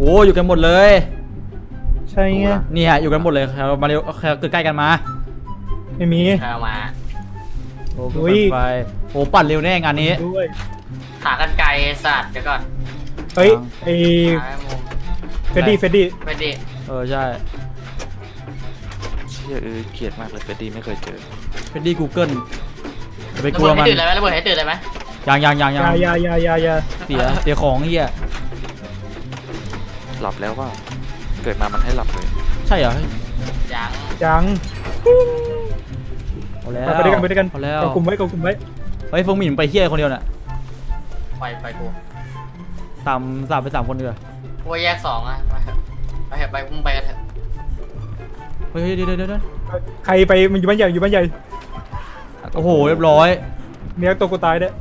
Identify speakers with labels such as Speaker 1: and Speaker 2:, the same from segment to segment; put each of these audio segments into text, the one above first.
Speaker 1: อ้อยู่กันหมดเลย
Speaker 2: ใช่ไง
Speaker 1: นี่ฮะอยู่กันหมดเลยเรามาเร็วเกิดใกล้กันมา
Speaker 2: ไม่มี
Speaker 3: เรามา
Speaker 1: โอ้ไปโอ้ปั่นเร็วแน่งานนี้
Speaker 3: ขากันไกลสัตว์เดี๋ยวก่อน
Speaker 2: เฮ้ยไอเฟดดี้
Speaker 1: ใช่
Speaker 4: เชี่ยเกลียดมากเลยเฟดดี้ไม่เคยเจอ
Speaker 1: เฟดดี้กูเกิลจะไปกลัวมัน
Speaker 3: ระเบิดให้ตื่นเลยไหม
Speaker 1: ยัง
Speaker 2: อย่า
Speaker 1: เสียของเฮีย
Speaker 4: หลับแล้วว่าเกิดมามันให้หลับเลย
Speaker 1: ใช่เหรอ
Speaker 2: ยัง
Speaker 1: เอาแล้ว
Speaker 2: ไปด้วยกัน
Speaker 1: เอาแล้ว
Speaker 2: กลุ่มไว้
Speaker 1: เฮ้ยฟงหมิ่นไปเฮียคนเดียวน่ะ
Speaker 3: ไปกู
Speaker 1: สามไป3 คนเดียว
Speaker 3: กูแยก2อ่ะไปมึงไปกันเถอะ
Speaker 1: เฮ้ยเดี๋ยว
Speaker 2: ใครไปมันอยู่บ้านใหญ่
Speaker 1: โอ้โหเรียบร้อย
Speaker 2: เมียตัวกูตายเด้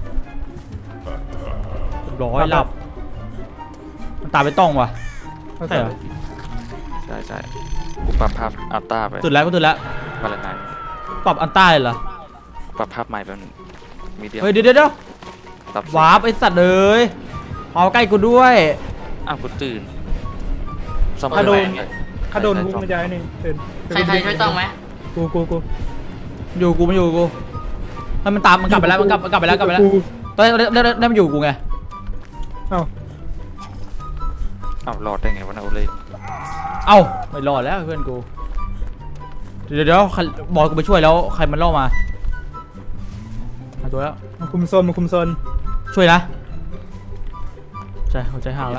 Speaker 1: เรียบร้อยหลับมันตายไปต้องวะใช่เหรอ
Speaker 4: ใช่กูปรับภาพอัลต้าไป
Speaker 1: ตื่นแล้ว
Speaker 4: มาแล้วนาย
Speaker 1: ปรับอัลต้าเลยเหรอ
Speaker 4: ปรับภาพใหม่เป็นมีเดียม
Speaker 1: เฮ้ยเดี๋ยววาร์ปไอสัตว์เลยเอาใกล้กูด้วย
Speaker 4: อ้าวกูตื่น
Speaker 2: ถ้าโดนกูมันจะนี่ตื่น
Speaker 3: ใครช่วยต้องไหม
Speaker 2: กู
Speaker 1: อยู่กูมันตามมันกลับไปแล้วมันกลับไปแล้วตอนนี้มันอยู่กูไง
Speaker 2: เอ้
Speaker 4: ารอดได้ไงวะนะโอเล่
Speaker 1: ไม่รอดแล้วเพื่อนกูเดี๋ยวบอกกูไปช่วยแล้วใครมันล่อมาหาตัวแล้ว
Speaker 2: มาคุมโซน
Speaker 1: ช่วยนะใช่หัวใจห่างแล้ว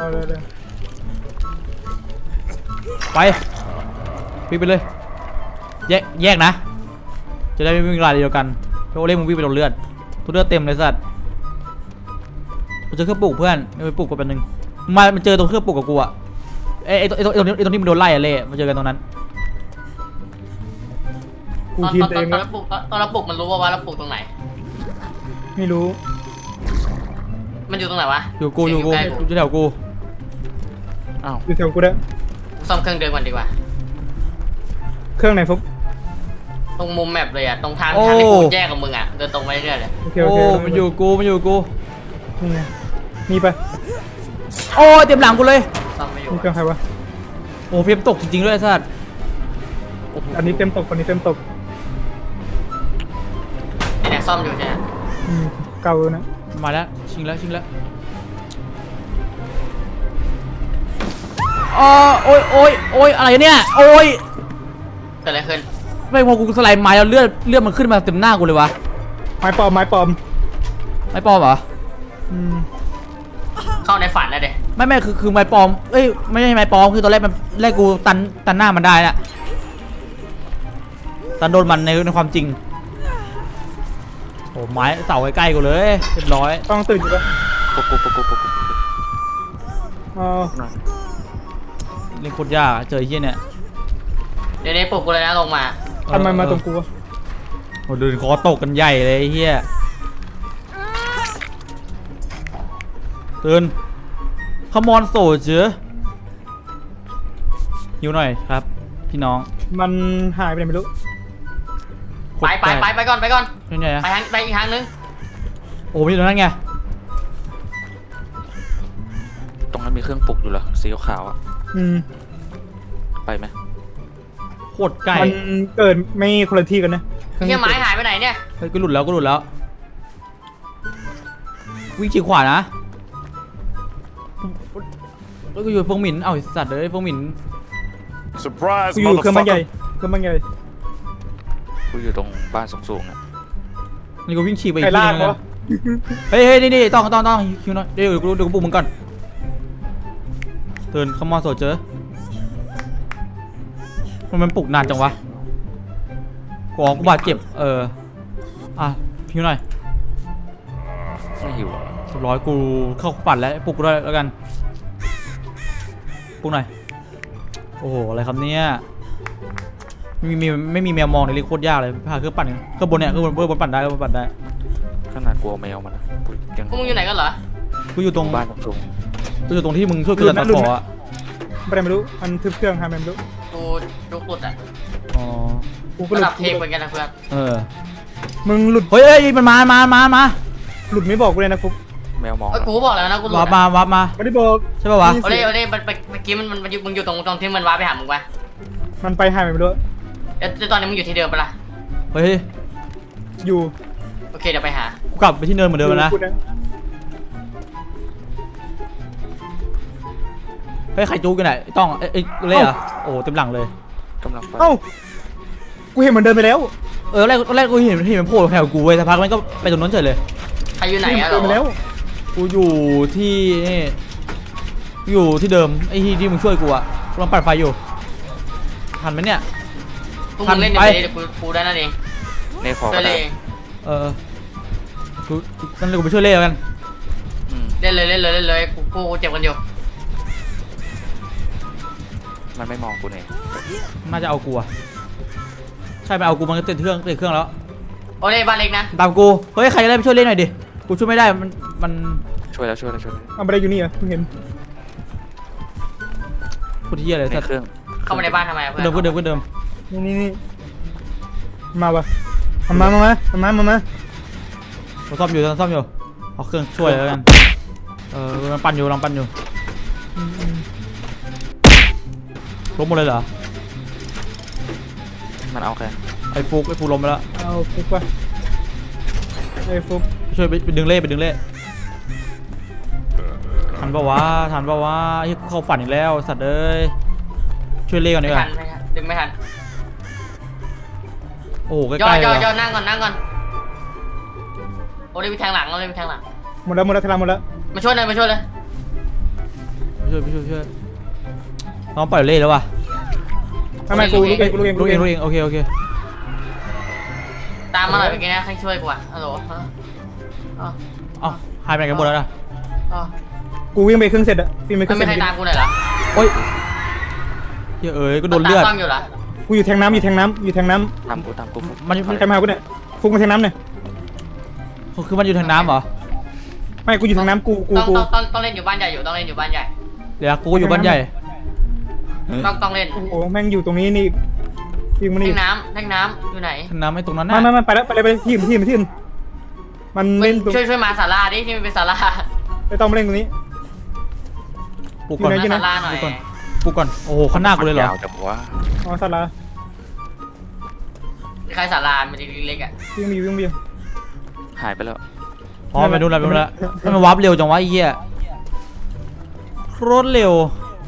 Speaker 1: ไปวิ่งไปเลยแยกนะจะได้ไม่วิ่งรายเดียวกันโอเล่มึงวิ่งไปโดนเลือดทุกเลือดเต็มเลยสัตว์กูเจอเครื่องปลูกเพื่อนไม่ไปปลูกกันแป๊บนึงมันเจอตรงเครื่องปลูกกับกูอะไอ้ตรงนี้มันโดนไล่อะเล่มาเจอกันตรงนั้น
Speaker 3: ตอนเราปลูกมันรู้ว่าเราปลูกตรงไหน
Speaker 2: ไม่รู้
Speaker 3: มันอยู่ตรงไหนวะ
Speaker 1: อยู่แถวกู
Speaker 2: อยู่แถวกูได้
Speaker 3: ซ่อมเครื่องเดินก่อนดีกว่า
Speaker 2: เครื่องไหนฟุก
Speaker 3: ตรงมุมแมปเลยอ่ะตรงทางที่กูแยกกับมึงอ่ะเดินตรงไปเรื่อยเลย
Speaker 1: โอ้มันอยู่กู
Speaker 2: นี่ไงมีไป
Speaker 1: โอ้เต็มหลังกูเลย
Speaker 3: ซ่อมไม่อยู่
Speaker 2: เครื่องใครวะ
Speaker 1: โอ้เฟรมตกจริงๆด้วยสัตว์
Speaker 2: อันนี้เต็มตก
Speaker 3: เนี่ยซ่อมอยู่ใช่ไหม
Speaker 2: เก่านะ
Speaker 1: มาแล้วชิงแล้วโอ้ยอะไรเนี่ยโอ้ย
Speaker 3: เกิดอะไรขึ้น
Speaker 1: ไม่พอกูสไลด์ไม้แล้วเลือดมันขึ้นมาเต็มหน้ากูเลยวะ
Speaker 2: ไม้ปลอม
Speaker 1: เหรอ
Speaker 3: เข้าในฝันนะเด็
Speaker 1: ไม่คือไม้ปลอมไม่ใช่ไม้ปลอมคือตอนแรกกูตันหน้ามันได้น่ะตันโดนมันในความจริงโอ้ไม้เสาใกล้ๆกูเลยเรียบร้อย
Speaker 2: ต้องตื่นอยู่ปะ
Speaker 4: ปุ๊บ
Speaker 1: เล่นโคตรยากเจอไอ้เหี้ยเนี่ย
Speaker 3: เดี๋ยวนี้ปลุกกูเลยนะลงมา
Speaker 2: ทำไมมาตรงกูวะ
Speaker 1: โอ้เดินคอตกกันใหญ่เลยไอ้เหี้ยตื่นขมอนโซเจอหิวหน่อยครับพี่น้อง
Speaker 2: มันหายไปไหนไม่รู้
Speaker 3: ไปก่อนไป
Speaker 1: ไหนอะ
Speaker 3: ไปอีกทางนึง
Speaker 1: โอ้ยตรงนั้นไง
Speaker 4: ตรงนั้นมีเครื่องปลุกอยู่เหรอสีขาวอ่ะไปไหม
Speaker 1: โคตรใกล้
Speaker 2: มันเกิดไม่คนละที่กันนะ
Speaker 3: เนี่ยไม้หายไปไหนเนี่ย
Speaker 1: เฮ้ยกูหลุดแล้ววิ่งฉีกขวานะแล้วก็อยู่ฟงหมินสัตว์เลยฟงหมิน
Speaker 2: กูอยู่เครื่องบ้านใหญ่
Speaker 4: กูอยู่ตรงบ้านสูงๆอ่ะ
Speaker 1: นี่กูวิ่งฉีกไปอีกทีนึงเฮ้ยนี่ต้องคิวหน่อยเดี๋ยวกูปลุกมึงก่อนตื่นขมอนโซเจอมันปลุกนานจังวะกูบาดเจ็บพิวหน่อย
Speaker 4: ไม่หิว
Speaker 1: ร้อยกูเข้าปั่นแล้วปลุกกูด้วยแล้วกันปลุกหน่อยโอ้โหอะไรครับเนี่ยไม่มีแมวมองในลิโคตรยากเลยพาเครื่องปั่นเครื่องบนเนี่ยเครื่องบนปั่นได้
Speaker 4: ขนาดกลัวแมวมันนะ
Speaker 3: มึงอยู่ไหนกันเหรอ
Speaker 1: กูอยู่ตรง
Speaker 4: บ้านสูง
Speaker 1: กูอยู่ตรงที่มึงช่วยกูตัดต่ออะ
Speaker 2: ไม่รู้มันทึบเครื่องไม่รู้
Speaker 3: กูหลุดอ่ะ
Speaker 2: กูก็หลุด
Speaker 3: เทปเหมือนกันนะเพื่อน
Speaker 2: มึงหลุด
Speaker 1: เฮ้ยมันมา
Speaker 2: หลุดไม่บอกกูเลยนะฟุก
Speaker 4: แมวมอง
Speaker 3: เอ้ยกูบอกแล้วนะกูหลุด
Speaker 1: วาร์ปมาวาร์ปมา
Speaker 5: ไม่ได้บอก
Speaker 1: ใช่ป่าวะ
Speaker 3: โอเล่โอเล่เมื่อกี้มันมึงอยู่ตรงที่มันว้าไปหามึงปะ
Speaker 5: มันไปหายไปไม่รู้
Speaker 3: แล้วตอนนี้มึงอยู่ที่เดิมปะล่ะ
Speaker 1: เฮ้ย
Speaker 5: อยู่
Speaker 3: โอเคเดี๋ยวไปหา
Speaker 1: กูกลับไปที่เนินเหมือนเดิมแล้วนะ
Speaker 5: พูด
Speaker 1: เฮ้ยใครจู๊กันไหนต้องไอ้เล่เหรอโอ้เต็มหลังเลย
Speaker 4: กำลังไป
Speaker 5: เอ้ากูเห็นมันเดินไปแล้ว
Speaker 1: แรกกูเห็นมันโผล่แถวกูเว้ยสักพักมันก็ไปตรงนั้นเฉยเลย
Speaker 3: ใครอยู่ไหนอะ
Speaker 5: เดินไปแล้ว
Speaker 1: กูอยู่ที่นี่อยู่ที่เดิมไอ้ที่มึงช่วยกูอะกำลังปัดไฟอยู่ทันไหมเนี่ย
Speaker 3: พวกมึงเล่น
Speaker 1: ไป
Speaker 3: เดี๋ยวกูได้นั่นเอง
Speaker 4: ในขอ
Speaker 3: เล่
Speaker 4: ก็
Speaker 3: นเล
Speaker 4: ได้
Speaker 3: ย
Speaker 1: กูนั่นเลยกูไปช่วยเล่แล้วกัน
Speaker 4: อืม
Speaker 3: เล่นเลยกูเจ็บกันอยู่
Speaker 4: มันไม่มองกูเนี่ย
Speaker 1: น่าจะเอากูอะใช่ไปเอากูมันก็ติดเครื่องแล้ว
Speaker 3: โอเล่บ้านเล็กนะ
Speaker 1: ตามกูเฮ้ยใครจะได้ไปช่วยเล่นหน่อยดิกูช่วยไม่ได้มัน
Speaker 4: ช่วยแล้ว
Speaker 5: เอาไปได้อยู่นี่เหรอเพิ่งเห็น
Speaker 1: พูดที่อะไร
Speaker 4: ใน
Speaker 1: สัตว์
Speaker 4: เครื่อง
Speaker 3: เข้ามาในบ้านทำไมอะเพื่อน
Speaker 1: เดิม
Speaker 5: นี่มาวะมา
Speaker 1: เราซ่อมอยู่เอาเครื่องช่วยแล้วกันมันปั่นอยู่ลองปั่นอยู่ล้มหมดเลยเหรอ
Speaker 4: มันเอาแค่
Speaker 1: ไอ้ฟุกล้มไปแล้ว
Speaker 5: เอาฟุกวะไอ้ฟุก
Speaker 1: ช่วยไปดึงเล่ทันปะวะไอ้เข้าฝันอีกแล้วสัตว์เอ้ยช่วยเล่ก่อนดี
Speaker 3: ไม่
Speaker 1: ก
Speaker 3: ทั
Speaker 1: ว่าน
Speaker 3: ดึงไม่ทัน
Speaker 1: โอ้โหใก
Speaker 3: ย่
Speaker 1: ล้ๆเลย
Speaker 3: อ
Speaker 1: ว่ะ
Speaker 3: นั่งก่อนโอเล่ไปทางหลัง
Speaker 5: หมดแล้วทลายหมดแล้ว
Speaker 3: มาช่วยเลย
Speaker 1: ช่วยน้องปล่อยเล่แล้วว่ะ
Speaker 5: ไม่กูลูกเอง
Speaker 1: โอเค
Speaker 3: ตามมาหน่อยเมื่อกี้นะให้ช่วยกูอ่ะฮัลโหลอ๋อ
Speaker 1: เอ้าหายไปไหนกันหมดแล้วนะ
Speaker 3: อ๋อ
Speaker 5: กูวิ่งไปเครื่องเสร็จอะวิ่งไปเค
Speaker 3: ไม่
Speaker 5: รื่อง
Speaker 3: มี
Speaker 5: เสร็จ
Speaker 3: ใครตามกูหน่อยเหรอ
Speaker 1: โอ๊ยเฮ้ยก็โดนเลือด
Speaker 3: ตามกล้องอยู่เหรอ
Speaker 5: กูอยู่แทงน้ำอยู่แทงน้ำ
Speaker 4: ตามกู
Speaker 1: มัน
Speaker 5: ใครมากูเนี่ยฟุกมาแทงน้ำเนี่ย
Speaker 1: คือมันอยู่ทางน้ำเหรอ
Speaker 5: ไม่กูอยู่แทงน้ำกู
Speaker 3: ต้องเล่นอยู่บ้านใหญ่อยู่ต้องเล่นอยู่บ้านใหญ่
Speaker 1: เดี๋ยวกูอยู่บ้านใหญ่
Speaker 3: ต้องเล่น
Speaker 5: โอ้โหแม่งอยู่ตรงนี้นี่วิ่งมา
Speaker 3: แท
Speaker 5: นี่
Speaker 3: งน้ำอยู่ไหน
Speaker 1: ทางน้ำไม่ตรงนั้น
Speaker 5: ไม่
Speaker 1: นะ
Speaker 5: ไปแล้วไปที่อื่นมันเล่น
Speaker 3: ช่วยมาศาลาดิที่มันเป็นศาลา
Speaker 5: ไม่ต้องมาเล่นตรงนี้
Speaker 1: ปลุกก่อน
Speaker 5: อยู่ไหน
Speaker 3: ศาลาหน่อย
Speaker 1: ปลุกก่อนโอ้โหข้างหน้ากูเลยเหรอ
Speaker 4: ยาวจังวะ
Speaker 5: อ๋อสัตว์ละ
Speaker 3: ใครศาลามันจะเล็กๆอ่ะ
Speaker 5: วิ่ง
Speaker 4: หายไปแล้ว
Speaker 1: อ๋อไปดูแล้วทำไมวาร์ปเร็วจังวะไอ้เหี้ยรถเร็ว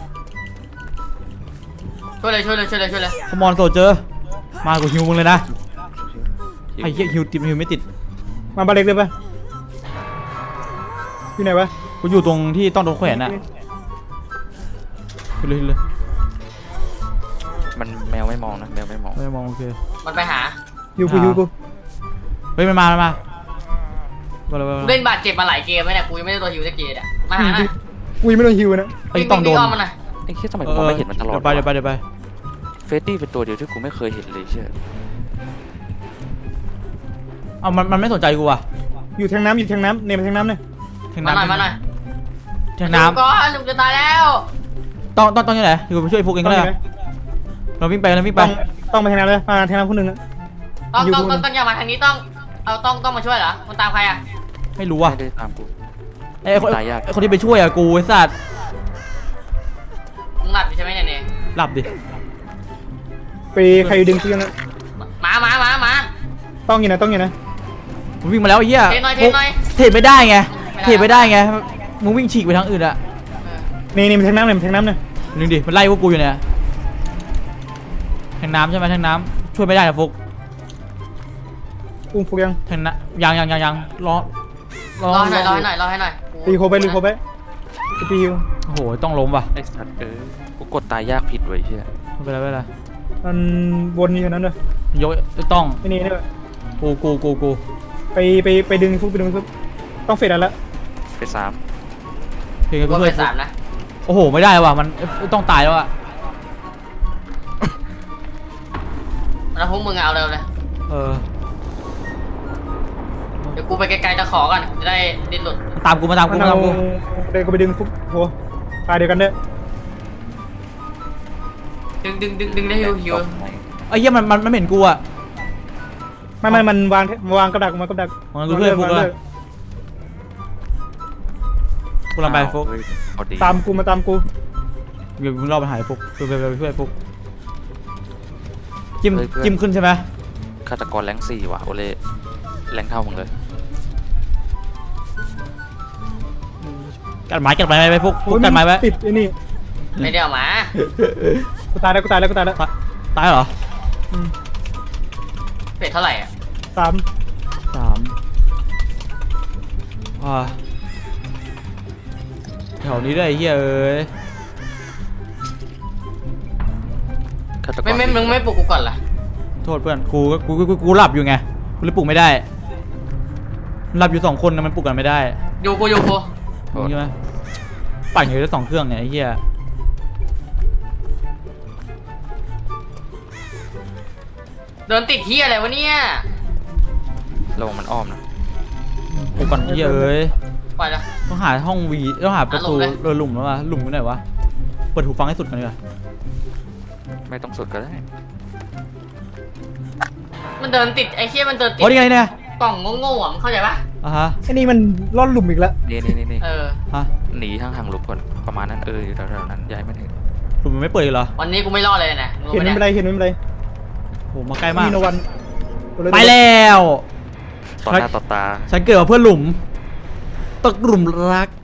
Speaker 3: ช่วยเลย
Speaker 1: คอมอนโซเจอมากูฮิวมึงเลยนะไอ้เหี้ยฮิวไม่ติด
Speaker 5: มาบาเล็กเลยปะอยู่ไหนวะ
Speaker 1: กูอยู่ตรงที่ต้องโดนแขวนน่ะไปเลย
Speaker 4: มันแมวไม่มองนะแมวไม่มอง
Speaker 1: ไม่มองโอเค
Speaker 3: มันไปหา
Speaker 5: อยู่กู
Speaker 1: เฮ้ยมันมาเลย
Speaker 3: เล่นบาดเจ็บมาหลายเกมแล้วเนี่ยกูยังไม่ได้ตัวฮิวสักเกมอ่ะมาหาหน่อย
Speaker 5: กูยังไม่โดนฮิวนะ
Speaker 1: ไอ้ต้องโดน
Speaker 3: มันหน่อย
Speaker 4: ไอ้แค่ทำไมกูไม่เห็นมันตลอด
Speaker 1: เดี๋ยวไป
Speaker 4: เฟรดดี้เป็นตัวเดียวที่กูไม่เคยเห็นเลยเชื่อ
Speaker 1: เอามันไม่สนใจกูอ่ะ
Speaker 5: อยู่แทงน้ำเนี่ยมาแทงน้ำเนี่ย
Speaker 1: ทาง
Speaker 3: มาหน่อย
Speaker 1: น้ำ
Speaker 3: ก็ลุงจะตายแล้ว
Speaker 1: ต้องยังไงอยู่ไปช่วยพวกเองก็ได้เราวิ่งไป
Speaker 5: ต้องมาแทงน้ำเลยมาแทงน้ำคนหนึ่งอะ
Speaker 3: ต้องอย่ามาทางนี้ต้องมาช่วยเหรอมันตามใครอ่ะ
Speaker 1: ไม่รู้อ่ะ
Speaker 4: ไม่ได้ตามกู
Speaker 1: ไอ้คนที่ไปช่วยอ่ะกูไอ้สัตว์
Speaker 3: มึงหลับอยู่ใช่ไหมเนี่ย
Speaker 1: หลับดิ
Speaker 5: ไปใครดึงเชือกนะ
Speaker 3: มา
Speaker 5: ต้องอย่างนะ
Speaker 1: มึงวิ่งมาแล้วไอ้เหี้ย
Speaker 3: เทหน่อย
Speaker 1: เทไม่ได้ไงมึงวิ่งฉีกไปทางอื่นอ่ะ
Speaker 5: นี่มันแทงน้ำเนี่ย
Speaker 1: นึงดิมันไล่พวกกูอยู่เนี่ยทางน้ำใช่ไหมทางน้ำช่วยไม่ได้นะฟุก
Speaker 5: อุ้มฟุกยัง
Speaker 1: ทางน้ำยังรอ
Speaker 3: ให้หน่อย
Speaker 5: ตีโคไปตีฮิว
Speaker 1: โอ้โหต้องล้มว่ะ
Speaker 4: ไอ้สัตว์กูกดตายยากผิดไว้เชื่อ
Speaker 1: ไม่เป็นไร
Speaker 5: มันวนอยู่นั้นเลย
Speaker 1: ยกต้อง
Speaker 5: นี่
Speaker 1: กู
Speaker 5: ไปดึงฟุกต้องเฟดแล้ว
Speaker 4: ไปสาม
Speaker 1: เพลง
Speaker 3: กู
Speaker 1: กูช่วย
Speaker 3: เป็น3นะ
Speaker 1: โอ้โหไม่ได้ว่ะมันต้องตายแล้วอ่ะ
Speaker 3: แล้วพวกมึงเอาเร็วเลย เดี๋ยวกูไปไกลๆตะขอก่อนจะได้ดิ้นหลุด
Speaker 1: ตามกู
Speaker 5: เดินก็ไปดึงฟุกโหตายเดียวกันเด้อ
Speaker 3: ดึงได้ฮิว
Speaker 1: ไอ้เหี้ยมันไม่เห็นกูอ่ะ
Speaker 5: ไม่มันวางกับดักมากับดัก
Speaker 1: มันกูช่วยฟุกแล้วกูลำไปฟุก
Speaker 4: เฮ้ยพอดี
Speaker 5: ตามกูมาตามกู
Speaker 1: เดี๋ยวมึงรอไปหายฟุกไปช่วยฟุกจิ้มขึ้นใช่ไหม
Speaker 4: ฆาตกรแรง4ว่ะโอเล่แรงเท่ามึงเลย
Speaker 1: กัดไม้ไปฟุก
Speaker 5: โอ้ย
Speaker 1: กัดไม้ไว้
Speaker 5: ติดไอ้นี่
Speaker 3: ไม่ได้เอามา
Speaker 5: กูตายแล้วกูตายแล้วกูตายแล้ว
Speaker 1: ตายเหรอ
Speaker 3: เป็ดเท่าไหร่อ่ะ
Speaker 5: สาม
Speaker 1: 3แถวนี้ด้วยไอ้เหี้ยเอ้ย
Speaker 4: ฆาตกร
Speaker 3: มึงไม่ปลุกกูก่อนล่ะ
Speaker 1: โทษเพื่อนกูหลับอยู่ไงกูเลยปลุกไม่ได้หลับอยู่2 คนนะมันปลุกกันไม่ได้
Speaker 3: อยู่กู
Speaker 1: ใช่ไหมปั่นอยู่ได้2 เครื่องเนี่ยไอ้เหี้ย
Speaker 3: โดนติดที่อะไรวะเนี่ย
Speaker 4: ระวังมันอ้อมนะ
Speaker 1: ปลุกก่อนไอ้เหี้ยเอ้ย
Speaker 3: ปล่อยละ
Speaker 1: ต้องหาห้องวีต้องหาประตู
Speaker 3: หาหลุมเลย
Speaker 1: หลุมแล้ววะหลุมอยู่ไหนวะเปิดหูฟังให้สุดกันดีกว่า
Speaker 4: ไม่ต้องสุดก็ได้
Speaker 3: มันเดินติดไอ้เหี้ยมันเดินติด
Speaker 1: โอ้นี่ไงเนี่ย
Speaker 3: กล่องโง่ๆอ่ะมึงเข้าใจปะ
Speaker 1: อ่ะฮะ
Speaker 5: ไอ้นี่มันล่อนหลุมอีกแล้ว
Speaker 4: นี่
Speaker 3: เออ
Speaker 1: ฮะ
Speaker 4: หนีห่างๆหลบก่อนประมาณนั้นอยู่แถวๆนั้นย้ายไม่ถึง
Speaker 1: หลุมมันไม่เปิดอีกเหรอ
Speaker 3: วันนี้กูไม่รอดเลยนะมึง
Speaker 5: เห็น
Speaker 3: รู้
Speaker 5: ไม่
Speaker 3: ปะ
Speaker 5: เป็นไรเห็นไม่เป็นไร
Speaker 1: โหมาใกล้มาก
Speaker 5: มีโนวัน
Speaker 1: ไปแล้ว
Speaker 4: ต่อหน้าต่อตา
Speaker 1: ฉันเกิดมาเพื่อหลุมตกหลุมรัก